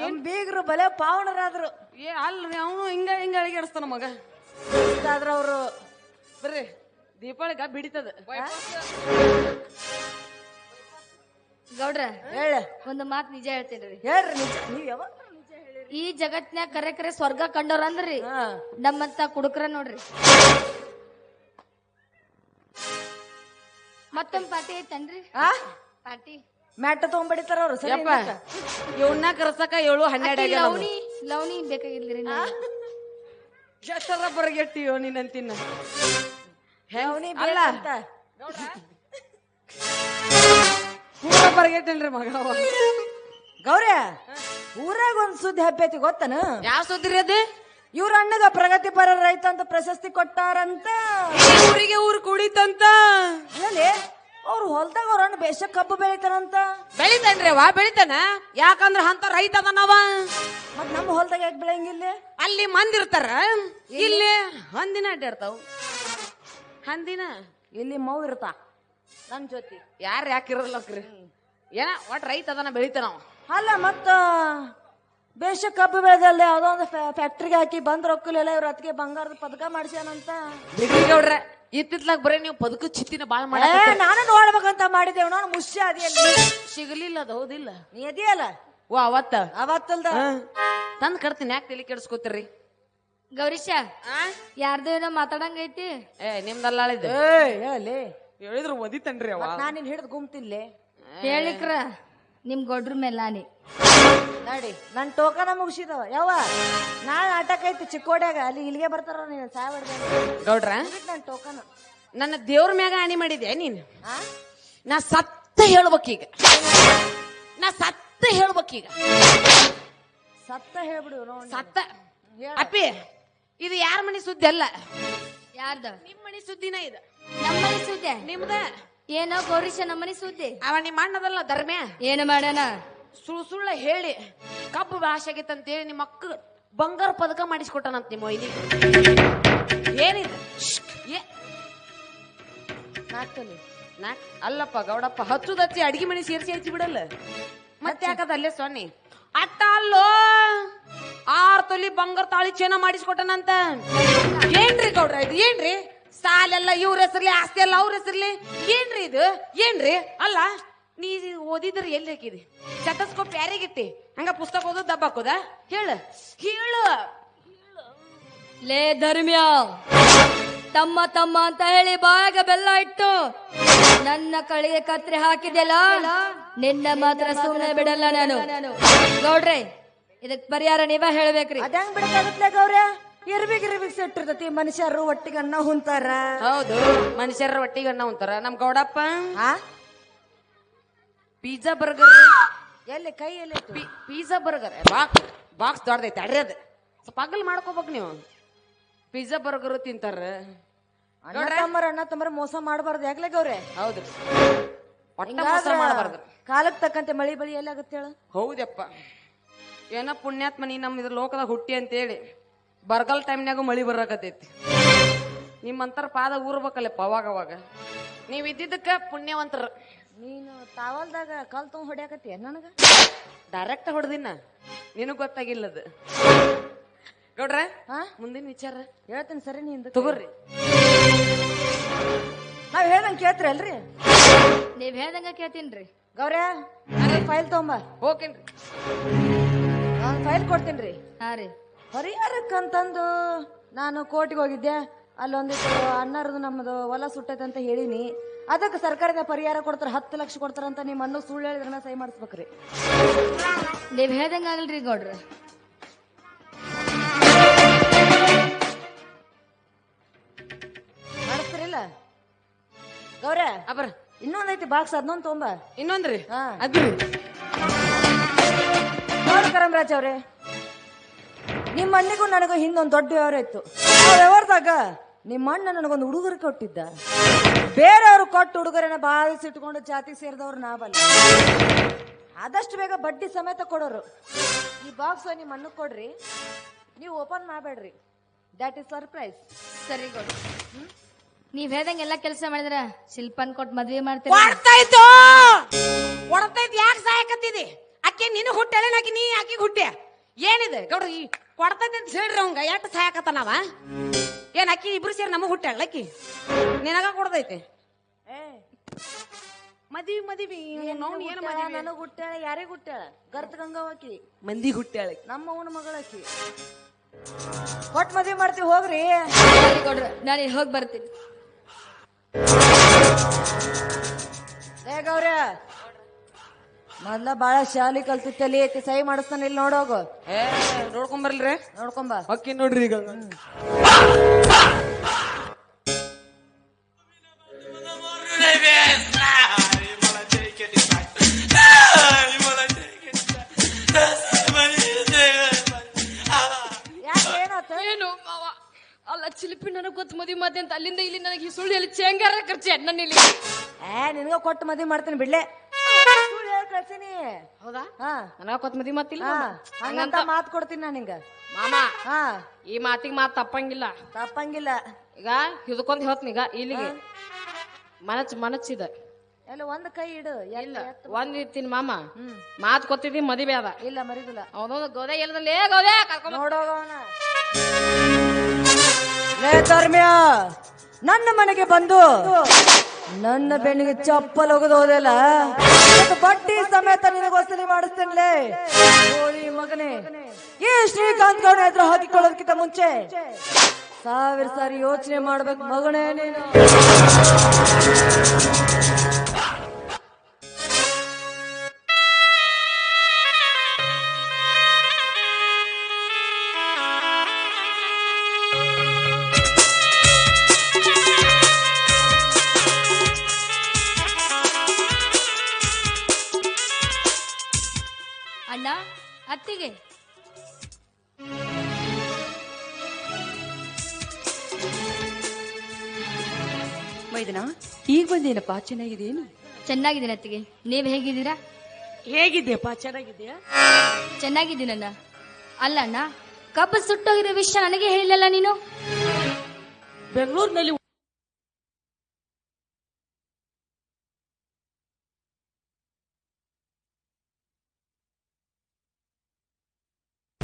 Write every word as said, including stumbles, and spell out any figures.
ನಮ್ ಬೀಗ್ರು ಬಲೆ ಪಾವನರಾದ್ರು. ಏ ಅಲ್ರಿ ಅವನು ಹಿಂಗ ಹಿಂಗ ಅಳಿಗಾಡಿಸ್ತಾನ ಮಗ. ಆದ್ರ ಅವ್ರು ಬರ್ರಿ ದೀಪಾವಳಿಗ ಬಿಡಿತದ. ಗೌಡ್ರ ಹೇಳ ಒಂದು ಮಾತು ನಿಜ ಹೇಳ್ತೇನ್ರಿ. ಹೇಳ್ರಿ ನಿಜ. ನೀವ್ ಯಾವಾಗ ನಿಜ ಹೇಳಿರಿ? ಈ ಜಗತ್ನ್ಯಾಗ ಕರೆ ಕರೆ ಸ್ವರ್ಗ ಕಂಡವ್ರ ಅಂದ್ರಿ ಹಾ ನಮ್ಮಂತ ಕುಡುಕ್ರ ನೋಡ್ರಿ. ಮತ್ತೊಂದ್ ಪಾರ್ಟಿ ಐತನ್ರಿ? ಆ ಪಾರ್ಟಿ ಮ್ಯಾಟ ತಗೊಂಡ್ಬಿಡಿತಾರ ಅವ್ರು. ಸರಿ ಯಪ್ಪ ಇವನ್ನ ಕರ್ಸಕ ಏಳು ಹನ್ನೆರಡು ಆಗ್ಯಾವ. ಲವಣಿ ಲವಣಿ ಬೇಕಾಗಿಲ್ರಿ ಎಷ್ಟರ ಬರಗೆಟ್ಟಿಯೋ ನೀನಂತಿನ ಅವನಿ ಅಲ್ಲ ಅಂತ ಪೂರ ಬರಗೆಟ್ಟೇನ್ರಿ ಮಗ ಅವ. ಗೌರ್ಯ ಊರಾಗ ಒಂದ್ ಸುದ್ದಿ ಹಬ್ಬೈತಿ ಗೊತ್ತನ? ಯಾವ ಸುದ್ದಿರಿ ಅದು? ಇವ್ರ ಅಣ್ಣಗ ಪ್ರಗತಿಪರ ರೈತ ಅಂತ ಪ್ರಶಸ್ತಿ ಕೊಟ್ಟಾರಂತ. ಊರಿಗೆ ಊರು ಕುಡಿತಂತ. ಹೇಳಿ ಅವ್ರು ಹೊಲ್ದಾಗ ಅವ್ರ ಅಣ್ಣ ಬೇಷ ಕಬ್ಬು ಬೆಳಿತಾರಂತ. ಬೆಳಿತಾನ್ರಿ ಅವ ಬೆಳಿತಾನ. ಯಾಕಂದ್ರ ಅಂತ ರೈತ ಅದನವ. ಮತ್ ನಮ್ಮ ಹೊಲ್ದಾಗ ಯಾಕೆ ಬೆಳೆಯಂಗಿಲ್ಲ? ಅಲ್ಲಿ ಮಂದಿರ್ತಾರ, ಇಲ್ಲಿ ಹಂದಿನ ಅಡ್ಡಾಡ್ತಾವ. ಹಂದಿನ ಇಲ್ಲಿ ಮೌ ಇರ್ತಾ ನನ್ ಜೊತೆ. ಯಾರ ಯಾಕಿರಲ್ಲಕ್ರಿ ಏನ ಒಟ್ ರೈತ ಅದನ್ನ ಬೆಳಿತಾನ. ಅಲ್ಲ ಮತ್ತ ಬೇಷ ಕಬ್ಬು ಬೆಳೆದಲ್ಲಿ ಯಾವ್ದೋ ಒಂದು ಫ್ಯಾಕ್ಟ್ರಿಗೆ ಹಾಕಿ ಬಂದ್ ರೊಕ್ಕಲೆಲ್ಲ ಇವ್ರ ಅದಕ್ಕೆ ಬಂಗಾರದ ಪದಕ ಮಾಡ್ಸ್ಯಾನಂತ. ಗೌಡ್ರ ಇತ್ತಿತ್ಲಾಗ ಬರೀ ನೀವು ಬದುಕು ಚಿತ್ತಿನ ಬಾಳ್ ಮಾಡ. ನಾನು ನೋಡ್ಬೇಕಂತ ಮಾಡಿದ್ದೇವ್. ನಾನು ಮುಷ್ಯ ಅದಿಯಲ್ಲಿ ಸಿಗಲಿಲ್ಲ ಅದು. ಹೌದಿಲ್ಲ? ನೀ ಅದಿಯಲ್ಲ ಓ ಅವತ್ತ ಅವತ್ತಲ್ದ ತಂದ್ ಕಡ್ತೀನಿ. ಯಾಕೆ ತಲೆ ಕೆಡಿಸ್ಕೋತೀರಿ? ಗೌರೀಶ ಯಾರ್ದು ಏನೋ ಮಾತಾಡಂಗೈತಿ. ಏ ನಿಮ್ದಲ್ಲಾಳಿದ್ದು ಹೇಳಿ ಹೇಳಿದ್ರು ಒದಿತನ್ರಿ ಅವ. ನಾನು ನಿನ್ ಹಿಡಿದು ಗುಮ್ತಿಲ್ಲೇ ಹೇಳಿಕ್ರ ನಿಮ್ ಗೊಡ್ರ ಮೇಲಾನಿ ನೋಡಿ ನನ್ ಟೋಕನ ಮುಗಿಸಿದವ. ಯಾವ ನಾಳೆ ಆಟಕ್ ಐತಿ ಚಿಕ್ಕೋಡ್ಯಾಗ, ಅಲ್ಲಿ ಇಲ್ಲಿಗೆ ಬರ್ತಾರ ನೀನ್ ಸಾಯ್ ಗೌಡ್ರ ನನ್ ಟೋಕನ್. ನನ್ನ ದೇವ್ರ ಮ್ಯಾಗ ಆಣಿ ಮಾಡಿದ್ಯಾ ನೀನ್? ನಾ ಸತ್ತ ಹೇಳ್ಬೇಕೀಗ. ನಾ ಸತ್ತ ಹೇಳ್ಬೇಕೀಗ. ಸತ್ತ ಹೇಳ್ಬಿಡು ನೋಡಿ. ಸತ್ತ ಅಪ್ಪಿ ಇದು ಯಾರ ಮನಿ ಸುದ್ದಿ ಅಲ್ಲ. ಯಾರ್ದ? ನಿಮ್ ಮನಿ ಸುದ್ದಿನ ಇದು. ನಮ್ಮನಿ ಸುದ್ದಿ ನಿಮ್ದ ಏನೋ ಗೌರೀಶ ನಮ್ಮನಿ ಸುದ್ದಿ. ಅವ ನಿಮ್ಮ ಅಣ್ಣದಲ್ಲ ಧರ್ಮ್ಯ. ಏನು ಮಾಡ್ಯಾನ? ಸುಳ್ಳು ಸುಳ್ಳ ಹೇಳಿ ಕಬ್ಬು ಭಾಷೆ ಆಗೈತಂತೇಳಿ ನಿಮ್ಮ ಅಕ್ಕ ಬಂಗಾರ ಪದಕ ಮಾಡಿಸ್ಕೊಟ್ಟನಂತ ನಿಮ್ಮ ಒಯ್ನಿ. ಏನಿದೆ? ಏ ನಾಲ್ಕಲ್ಲಿ ನಾಕ್ ಅಲ್ಲಪ್ಪ ಗೌಡಪ್ಪ ಹಚ್ಚುದ ಹಚ್ಚಿ ಅಡಿಗೆ ಮನಿ ಸೇರಿಸಿ ಹಚ್ಚಿ ಬಿಡಲ್ಲ. ಮತ್ತೆ ಯಾಕದ ಅಲ್ಲೇ ಸೊನ್ನಿ ಅಟ್ಟ ಅಲ್ಲೋ ಆರ್ ತೊಲಿ ಬಂಗಾರ ತಾಳಿ ಚೇನ ಮಾಡಿಸ್ಕೊಟ್ಟನಂತ. ಏನ್ರಿ ಗೌಡ್ರ ಇದು? ಏನ್ರಿ ಸಾಲೆಲ್ಲ ಇವ್ರ ಹೆಸರ್ಲಿ, ಆಸ್ತಿ ಎಲ್ಲ ಅವ್ರ ಹೆಸರ್ಲಿ? ಏನ್ರಿ ಇದು? ಏನ್ರಿ ಅಲ್ಲ ನೀ ಓದಿದ್ರೆ ಎಲ್ಲಿ ಹಾಕಿದಿ? ಸ್ಟೆಥೋಸ್ಕೋಪ್ ಯಾರಿಗಿಟ್ಟಿ? ಹಂಗ ಪುಸ್ತಕ ಓದೋದು ದಬ್ಬ ಹಾಕೋದ? ಹೇಳು ಹೇಳು. ಲೇ ಧರ್ಮ್ಯ, ತಮ್ಮ ತಮ್ಮ ಅಂತ ಹೇಳಿ ಬಾಯಾಗ ಬೆಲ್ಲ ಇಟ್ಟು ನನ್ನ ಕಳಿಗೆ ಕತ್ರಿ ಹಾಕಿದೆಲ್ಲ, ನಿನ್ನ ಮಾತ್ರ ಸುಮ್ಮನೆ ಬಿಡಲ್ಲ ನಾನು. ಗೌಡ್ರೆ ಇದಕ್ ಪರಿಹಾರ ನೀವ ಹೇಳ್ಬೇಕ್ರಿ. ಅದಂಗ್ ಬಿಡಕ್ಕಾಗತ್ಲೆ ಗೌರ್ಯ? ಇರ್ಬಿಗ್ ಇರ್ಬಿಗ್ ಸೆಟ್ಟಿರ್ತತಿ. ಮನುಷ್ಯರು ಒಟ್ಟಿಗೆ ಅನ್ನ ಹುಂತಾರ. ಹೌದು, ಮನುಷ್ಯರ ಒಟ್ಟಿಗೆ ಅನ್ನ ಉಂತಾರ. ನಮ್ ಗೌಡಪ್ಪ ಆ ಪಿಜ್ಜಾ ಬರ್ಗರ್ ಎಲ್ಲಿ ಕೈ ಎಲ್ಲಿ ಪಿಜ್ಜಾ ಬರ್ಗರ್ ಬಾಕ್ಸ್ ಬಾಕ್ಸ್ ದೊಡ್ಡದೈತೆ ಅಡ್ರಿ. ಅದು ಸ್ವಲ್ಪ ಅಗಲ್ ಮಾಡ್ಕೋಬೇಕು ನೀವು. ಪಿಜ್ಜಾ ಬರ್ಗರ್ ತಿಂತಾರ. ಅಣ್ಣ ತಮ್ಮರ ಅಣ್ಣ ತಮ್ಮರ ಮೋಸ ಮಾಡಬಾರ್ದು. ಯಾಕ್ಲೆ ಗೌರ್ಯ? ಹೌದು, ಒಟ್ಟ ಮೋಸ ಮಾಡಬಾರ್ದು. ಕಾಲಕ್ ತಕ್ಕಂತೆ ಮಳಿ ಬಳಿ ಎಲ್ಲಿ ಆಗುತ್ತೆ ಹೇಳು? ಹೌದಪ್ಪ. ಏನ ಪುಣ್ಯಾತ್ಮ ನೀ ನಮ್ ಇದ್ರ ಲೋಕದಾಗ ಹುಟ್ಟಿ ಅಂತೇಳಿ ಬರಗಾಲ ಟೈಮ್ನಾಗೂ ಮಳಿ ಬರಾಕತೈತಿ. ನಿಮ್ಮಂತರ ಪಾದ ಊರ್ಬೇಕಲ್ಲಪ್ಪ ಅವಾಗ ಅವಾಗ. ನೀವ್ ಇದ್ದಿದ್ದಕ್ಕ ಪುಣ್ಯವಂತರ. ನೀನು ತಾವಲ್ದಾಗ ಕಲ್ ತಗೊಂಡ್ ಹೊಡ್ಯಾಕತ್ತೀಯ ನನಗ? ಡೈರೆಕ್ಟ್ ಹೊಡೆದಿನ ನಿನಗ್ ಗೊತ್ತಾಗಿಲ್ಲದ. ಗೌಡ್ರ ಹಾ ಮುಂದಿನ ವಿಚಾರ ಹೇಳ್ತೀನಿ ಸರಿ. ನೀ ತಗೋರಿ. ನಾವ್ ಹೇಳ್ದಂಗ್ ಕೇಳ್ತ್ರಿ ಅಲ್ರಿ? ನೀವ್ ಹೇಳ್ದಂಗ ಕೇಳ್ತೀನ್ರಿ. ಗೌರ್ಯ ಫೈಲ್ ತಗೊಂಬ. ಓಕೆನ್ರಿ, ನಾನು ಫೈಲ್ ಕೊಡ್ತೀನ್ರಿ. ಹಾ ರೀ. ಪರಿಹಾರಕ್ಕಂತಂದು ನಾನು ಕೋರ್ಟಿಗೆ ಹೋಗಿದ್ದೆ. ಅಲ್ಲೊಂದಿತ್ತು ಅಣ್ಣರದು ನಮ್ಮದು ಹೊಲ ಸುಟ್ಟೈತೆ ಅಂತ ಹೇಳಿನಿ. ಅದಕ್ಕೆ ಸರ್ಕಾರದ ಪರಿಹಾರ ಕೊಡ್ತಾರ, ಹತ್ತು ಲಕ್ಷ ಕೊಡ್ತಾರಂತ. ನಿಮ್ಮ ಅಣ್ಣ ಸುಳ್ಳು ಹೇಳಿದ್ರನ್ನ ಸಹಿ ಮಾಡಿಸ್ಬೇಕ್ರಿ. ನೀವ್ ಹೇಳ್ದಂಗ ಆಗಲ್ರಿ ಗೌಡ್ರ. ಮಾಡಿಸ್ತಿರಿಲ್ಲ ಗೌರ್ಯ? ಅಬ್ರ ಇನ್ನೊಂದೈತಿ ಬಾಕ್ಸ್, ಅದನ್ನೊಂದು ತೊಂಬ. ಇನ್ನೊಂದ್ರಿ ಹಾ ಅದ್ರಿ ನೋಡಿ ಕರಂರಾಜ್ ಅವ್ರೆ, ನಿಮ್ಮ ಅಣ್ಣಿಗೂ ನನಗೂ ಹಿಂದೊಂದು ದೊಡ್ಡ ವ್ಯವಹಾರ ಇತ್ತು. ಆ ವ್ಯವಹಾರದಾಗ ನಿಮ್ಮ ಅಣ್ಣ ನನಗೊಂದು ಉಡುಗೊರೆ ಕೊಟ್ಟಿದ್ದ. ಬೇರೆಯವರು ಕೊಟ್ಟು ಉಡುಗೊರೆನ ಬಾಧಿಸಿಟ್ಕೊಂಡು ಜಾತಿ ಸೇರಿದವ್ರು ನಾವಲ್ಲ. ಆದಷ್ಟು ಬೇಗ ಬಡ್ಡಿ ಸಮೇತ ಕೊಡೋರು. ಈ ಬಾಕ್ಸ್ ನಿಮ್ಮ ಅಣ್ಣಗೆ ಕೊಡ್ರಿ, ನೀವು ಓಪನ್ ಮಾಡಬೇಡ್ರಿ. That is surprise. ಸರಿ ಗೌಡ್ರ, ನೀವ್ ಹೇಳ್ದಂಗ ಎಲ್ಲಾ ಕೆಲಸ ಮಾಡಿದ್ರ ಶಿಲ್ಪನ್ ಕೊಟ್ಟು ಮದ್ವೆ ಮಾಡ್ತೀರಿ. ಹೊಡ್ತಾಯ್ತು ಹೊಡ್ತೈತಿ. ಯಾಕೆ ಸಾಯಕತ್ತಿದಿ? ಆಕೆ ನಿನ್ನ ಹುಟ್ಟಾಳೆ ಆಕಿ ನೀ ಆಕಿಗೆ ಹುಟ್ಟ್ಯ ಏನಿದೆ ಗೌಡ್ರಿ ಈ ಕೊಡ್ತೈತೆ ಅಂತ ಹೇಳ್ರಿ ಅವಂಗ ಎಷ್ಟು ಸಾಯಕತ್ತಾನವ ಏನ್ ಅಕ್ಕಿ ಇಬ್ರು ಸೇರಿ ನಮಗ್ ಹುಟ್ಟಾಳ ಅಕ್ಕಿ ನಿನಗ ಕೊಡ್ದೈತೆ ಮದಿವಿ ಮದಿವಿ ನೋಡ್ ಏನ್ ಮದಿವಿ ನನಗ್ ಹುಟ್ಟಾಳ ಯಾರಿಗ್ ಹುಟ್ಟಾಳ ಗರ್ತ ಗಂಗಾವಕಿ ಮಂದಿ ಹುಟ್ಟಾಳ ನಮ್ಮ ಅವನ ಮಗಳಕಿ ಕೊಟ್ ಮದ್ವಿ ಮಾಡ್ತೀವಿ ಹೋಗ್ರಿ ಕೊಡ್ರಿ ನಾನು ಹೋಗಿ ಬರ್ತೀನಿ. ಏ ಗೌರ್ಯ ಮೊದ್ಲ ಬಾಳ ಶಾಲಿ ಕಲ್ತಿತ್ತಲ್ಲಿ ಐತಿ ಸಹಿ ಮಾಡಿಸ್ತಾನ ಇಲ್ಲಿ ನೋಡೋಗು ಏ ನೋಡ್ಕೊಂಬರ್ಲ್ರಿ ನೋಡ್ಕೊಂಬ ಅಕ್ಕಿ ನೋಡ್ರಿ ಈಗ ಏನು ಮಾವ ಅಲ್ಲ ಚಿಲಿಪಿ ನನಗ್ ಗೊತ್ತು ಮದುವೆ ಮಾತೆ ಅಂತ ಅಲ್ಲಿಂದ ಇಲ್ಲಿ ನನಗೆ ಸುಳ್ಳು ಹೇಳಿ ಚೇಂಗಾರ ಖರ್ಚು ನನ್ನ ಇಲ್ಲಿ ಏ ನಿನ್ಗ ಕೊಟ್ಟು ಮದ್ವಿ ಮಾಡ್ತೀನಿ ಬಿಡ್ಲೆ ಸುಳ್ಳು ಹೇಳ್ ಕಳ್ಸೀನಿ. ಹೌದಾ ಹಾ ನನಗ ಕೊತ್ ಮದಿ ಮಾತಿಲ್ಲ ಹಾ ಹಂಗಂತ ಮಾತ್ ಕೊಡ್ತೀನಿ ನಾನು ನಿಂಗ ಮಾಮ ಹಾ ಈ ಮಾತಿಗೆ ಮಾತ್ ತಪ್ಪಂಗಿಲ್ಲ ತಪ್ಪಂಗಿಲ್ಲ. ಈಗ ಹಿಡ್ಕೊಂಡ್ ಹೇಳ್ತೀನೀಗ ಇಲ್ಲಿಗೆ ಮನಚ್ ಮನಚ್ಚಿದ ಎಲ್ಲ ಒಂದ್ ಕೈ ಇಡು ಇಲ್ಲ ಒಂದ್ ಇರ್ತೀನಿ ಮಾಮ ಹ್ಮ್ ಮಾತ್ ಕೊತ್ತಿದ್ದಿ ಮದಿವೆ ಅದ ಇಲ್ಲ ಮರಿದಿಲ್ಲ ಅವನೊಂದು ಗೋದೆ ಎಲ್ಲದಲ್ಲಿ ಗೋದೆ ಕರ್ಕೊಂಡ್ ನೋಡೋಗವನ ಲೇ ಧರ್ಮ್ಯ ನನ್ನ ಮನೆಗೆ ಬಂದು ನನ್ನ ಬೆನ್ನಿಗೆ ಚಪ್ಪಲ್ ಹೋಗದು ಹೋದೆಲ್ಲ ಬಡ್ಡಿ ಸಮೇತ ನಿನಗೆ ವಸೂಲಿ ಮಾಡಿಸ್ತೇನೆ ಹೋಳಿ ಮಗನೇ. ಈ ಶ್ರೀಕಾಂತ್ ಗೌಡ ಎದುರು ಹಾಕಿಕೊಳ್ಳೋದಕ್ಕಿಂತ ಮುಂಚೆ ಸಾವಿರ ಸಾರಿ ಯೋಚನೆ ಮಾಡ್ಬೇಕು ಮಗನೇ ನೀನು. ಅಣ್ಣ ಅತ್ತಿಗೆ ಮೈದನ ಈಗ ಬಂದೇನಪ್ಪ ಚೆನ್ನಾಗಿದೇನು? ಚೆನ್ನಾಗಿದ್ದೀನಿ ಅತ್ತಿಗೆ, ನೀವ್ ಹೇಗಿದ್ದೀರಾ? ಹೇಗಿದ್ಯಪ್ಪ ಚೆನ್ನಾಗಿದ್ಯಾ? ಚೆನ್ನಾಗಿದ್ದೀನಣ್ಣ. ಅಲ್ಲ ಅಣ್ಣ, ಕಬ್ಬು ಸುಟ್ಟೋಗಿರೋ ವಿಷಯ ನನಗೆ ಹೇಳಿಲ್ಲಲ್ಲ ನೀನು. ಬೆಂಗಳೂರಿನಲ್ಲಿ